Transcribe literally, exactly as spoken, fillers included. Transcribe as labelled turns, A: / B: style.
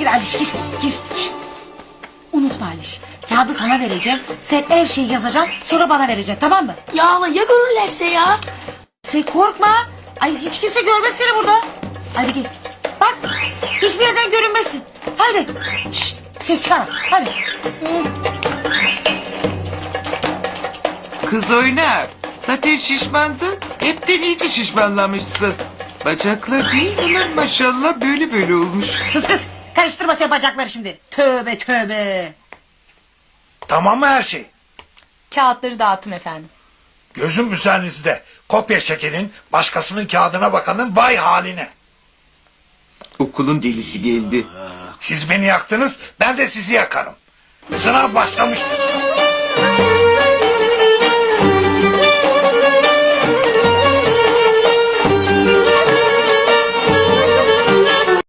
A: gir Aliş gir. Gir. Şşt. Unutma Aliş. Kağıdı sana vereceğim. Sen her şeyi yazacaksın. Sonra bana vereceksin tamam mı?
B: Ya hala ya görürlerse ya?
A: Sen korkma. Ay hiç kimse görmez seni burada. Hadi gel. Bak hiçbir yerden görünmesin. Hadi. Şşt, ses çıkarma. Hadi.
C: Kız oynar. Zaten şişmandın. Hepten iyice şişmanlamışsın. Bacaklar değil mi lan maşallah böyle böyle olmuş.
A: Sus kız. Karıştırma sen bacakları şimdi. Tövbe tövbe.
D: Tamam mı her şey?
B: Kağıtları dağıttım efendim.
D: Gözüm üzerinizde. Kopya çekenin, başkasının kağıdına bakanın vay haline.
C: Okulun delisi geldi.
D: Siz beni yaktınız, ben de sizi yakarım. Sınav başlamıştır.